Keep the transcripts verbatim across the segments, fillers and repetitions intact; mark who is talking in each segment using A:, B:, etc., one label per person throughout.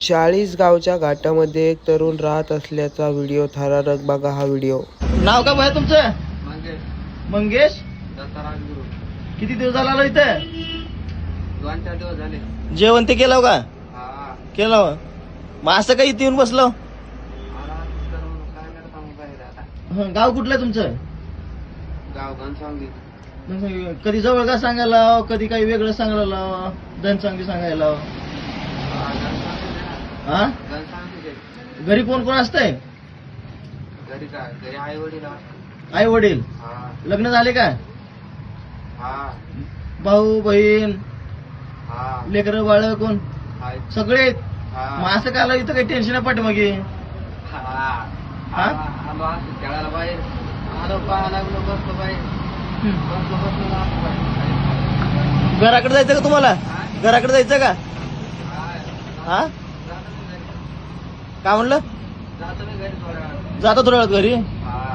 A: चाळीस गावच्या घाटामध्ये एक तरुण राहत असल्याचा व्हिडिओ थरारक बघा हा व्हिडिओ।
B: नाव का भाई तुमचं?
C: मंगेश
B: मंगेश
C: दत्ताराज गुरु.
B: किती दिवस झाला आलो इथे?
C: दोन चार दिवस झाले.
B: जेवण ते केलं का?
C: हा
B: केलं हो. मग असं काही इथे येऊन बसलो?
C: आराम करून काय करता मग बाहेर आता.
B: हं, गाव कुठलं आहे तुमचं?
C: गाव घनसावंगी.
B: मग कधी जवळ का सांगायला लाव, कधी काही वेगळं सांगायला लाव, धनसांगी सांगायला लाव.
C: हा, घनसावंगीच आहे ना.
B: हा
C: घनसावंगीच आहे.
B: घरी कोण कोण असतंय?
C: घरी काय घरी आई वडील.
B: आई वडील
C: हा
B: लग्न झाले का?
C: हा
B: भाऊ बहीण
C: हा
B: लेकरं बाळ कोण?
C: हाय.
B: सगळे आहेत.
C: हा
B: मग असं काय आलं इथं काही टेन्शन आहे पाठीमागे?
C: हा
B: हा?
C: आलो असं खेळायला बाहेर आलो पाहा लागलो बसलो बाहेर
B: हं.
C: बसलो बसलो आलो बाहेर.
B: घराकडे जायचं का तुम्हाला?
C: हा?
B: घराकडे जायचं का?
C: हा.
B: हा
C: जातो मी घरी.
B: काय म्हणलं?
C: जातो मी घरी थोड्या वेळात.
B: जातो थोड्या वेळात घरी.
C: हा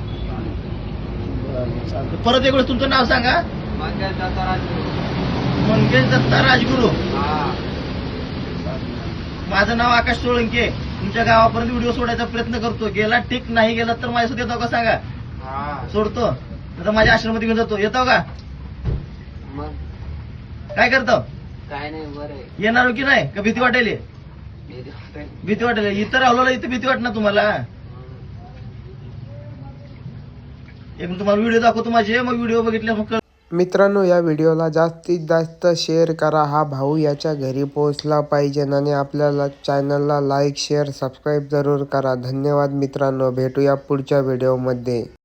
B: चालतंय. परत एक वेळेस तुमचं नाव सांगा.
C: मंगेश दत्ताराज गुरु.
B: मंगेश दत्ता राजगुरू.
C: हा
B: माझं नाव आकाश सोळंके. तुमच्या गावापर्यंत व्हिडिओ सोडायचा प्रयत्न करतो. गेला ठीक नाही गेला तर माझ्यासोबत येतो का सांगा?
C: हा
B: सोडतो आता माझ्या आश्रमात घेऊन जातो. येतो का?
C: मग
B: काय करतो?
C: काय नाही बरं आहे.
B: येणार हो की नाही? का भीती वाटेल?
C: भीती वाटते.
B: भीती वाटेल. इथं राहिलो इथं भीती वाटणार तुम्हाला? एक तुम्हाला व्हिडिओ दाखवतो माझे, मग व्हिडिओ बघितले मग
A: मित्रांनो, या व्हिडिओला जास्तीत जास्त शेअर करा। हा भाऊ याच्या घरी पोहोचला पाहिजे आणि आपल्याला चॅनलला लाईक शेअर सबस्क्राईब जरूर करा। धन्यवाद मित्रांनो, भेटूया पुढच्या व्हिडिओमध्ये।